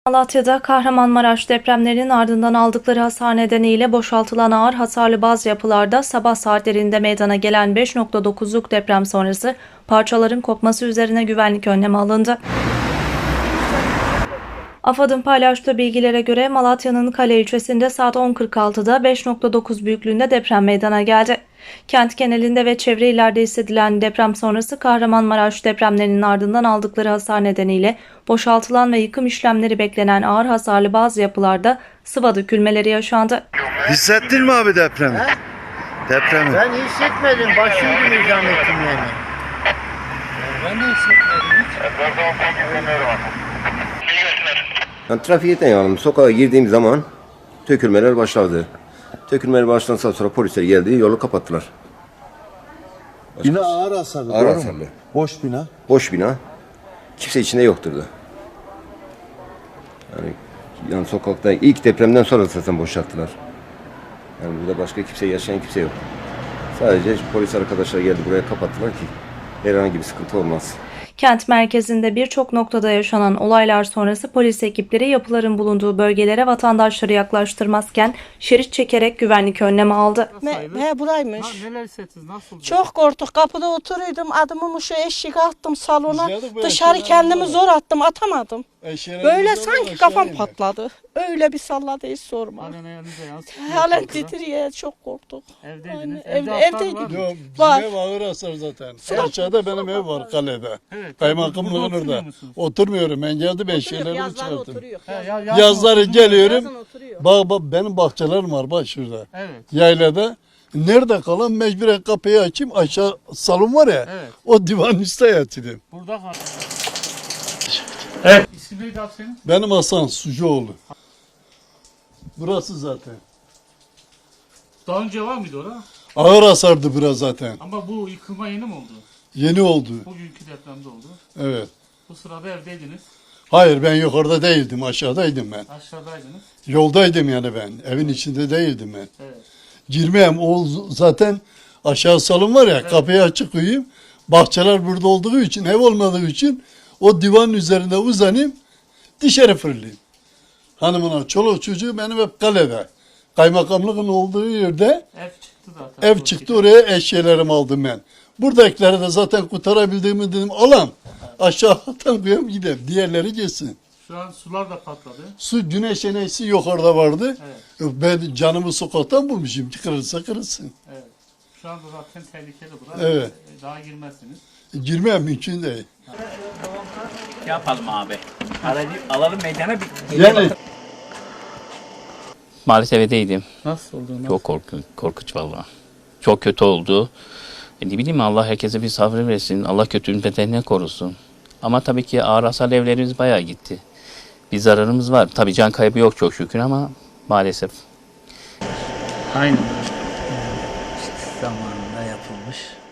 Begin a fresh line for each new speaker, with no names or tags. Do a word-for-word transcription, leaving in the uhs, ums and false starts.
Malatya'da Kahramanmaraş depremlerinin ardından aldıkları hasar nedeniyle boşaltılan ağır hasarlı bazı yapılarda sabah saatlerinde meydana gelen beş nokta dokuzluk deprem sonrası parçaların kopması üzerine güvenlik önlemi alındı. AFAD'ın paylaştığı bilgilere göre Malatya'nın Kale ilçesinde saat on kırk altıda beş nokta dokuz büyüklüğünde deprem meydana geldi. Kent genelinde ve çevre illerde hissedilen deprem sonrası Kahramanmaraş depremlerinin ardından aldıkları hasar nedeniyle boşaltılan ve yıkım işlemleri beklenen ağır hasarlı bazı yapılarda sıva dökülmeleri yaşandı.
Hissettin mi abi depremi?
He?
Depremi.
Ben hissetmedim. Başım gibi zannettim yani.
Ben de hissetmedim hiç.
Yani trafikten yanım. Sokağa girdiğim zaman tökülmeler başladı. Tökülmeler başlandıktan sonra polisler geldi, yolu kapattılar.
Bina ağır hasarlı.
Ağır
doğru mu?
hasarlı.
Boş bina.
Boş bina. Kimse içinde yoktur da. Yani, yani sokakta ilk depremden sonra zaten boşalttılar. Yani burada başka kimse yaşayan kimse yok. Sadece polis arkadaşlar geldi buraya kapattılar ki herhangi bir sıkıntı olmaz.
Kent merkezinde birçok noktada yaşanan olaylar sonrası polis ekipleri yapıların bulunduğu bölgelere vatandaşları yaklaştırmazken şerit çekerek güvenlik önlemi aldı.
Me, he buraymış.
Ha, neler hissettiniz? Nasıl?
Çok korktuk. Kapıda oturuyordum. Adımımı şu eşik attım salona.
Biz bu
Dışarı
eşyaları
kendimi
aldık.
zor attım. Atamadım.
Eşeğe
Böyle
gidiyorlar,
sanki
aşağı
kafam
iner.
patladı. Öyle bir salladı hiç sorma.
Halen ayağınıza yansıtıyor.
Halen titriyor. Çok korktuk.
Evdeydiniz.
Aynen,
Evde
evde-
hasar
evdeydik.
var mı?
Yok, bizim
Var.
ev ağır hasar zaten. Aşağıda benim ev var kalede.
Evet.
Kaymakamlığın
Burada
orada.
oturmuyor musunuz?
Oturmuyorum. Ben geldim ben
Oturuyor,
şeylerimi
yazları
çıkarttım.
oturuyor.
He, ya, yazın
Yazları
oturdunuz.
geliyorum.
Yazın oturuyor.
Bak bak benim bahçelerim var bak şurada.
Evet.
Yaylada. Nerede kalan mecburen kapıyı açayım. Aşağı salon var ya.
Evet.
O divan üstte yatırdım.
Burada kal. Evet. İsim neydi abi senin?
Benim Hasan Sucuoğlu. Burası zaten.
Daha önce var mıydı orada?
Ağır hasardı biraz zaten.
Ama bu yıkılma yeni mi oldu?
Yeni oldu.
Bugünkü depremde oldu.
Evet.
Bu sırada evdeydiniz.
Hayır ben yukarıda değildim aşağıdaydım ben.
Aşağıdaydınız.
Yoldaydım yani ben. Evin içinde değildim ben.
Evet.
Girmeyeyim o z- zaten aşağı salon var ya kapıyı açık uyuyayım. Bahçeler burada olduğu için ev olmadığı için o divanın üzerinde uzanayım dışarı fırlayayım. Hanımına çoluk çocuğu benim hep kalede. Kaymakamlığın olduğu yerde
Ev çıktı zaten.
ev çıktı oraya eşyalarımı aldım ben. Buradakileri de zaten kurtarabildiğimi dedim alam. Aşağı atan koyayım gidelim. Diğerleri geçsin.
Şu an sular da patladı.
Su güneş enerjisi yukarıda vardı.
Evet.
Ben canımı sokaktan bulmuşum. Kırılsa kırılsın.
Evet. Şu anda zaten tehlikeli burası.
Evet.
Daha girmezsiniz.
Girmem mümkün değil.
Yapalım abi. Aracı alalım meydana bir.
Yani
Maalesef evdeydim.
Nasıl oldu? Nasıl?
Çok korkunç, korkunç vallahi. Çok kötü oldu. E ne bileyim Allah herkese bir sabrı versin. Allah kötünün beterinden korusun. Ama tabii ki ağır hasarlı evlerimiz bayağı gitti. Bir zararımız var. Tabii can kaybı yok çok şükür ama maalesef.
Aynen.
Zamanında yapılmış.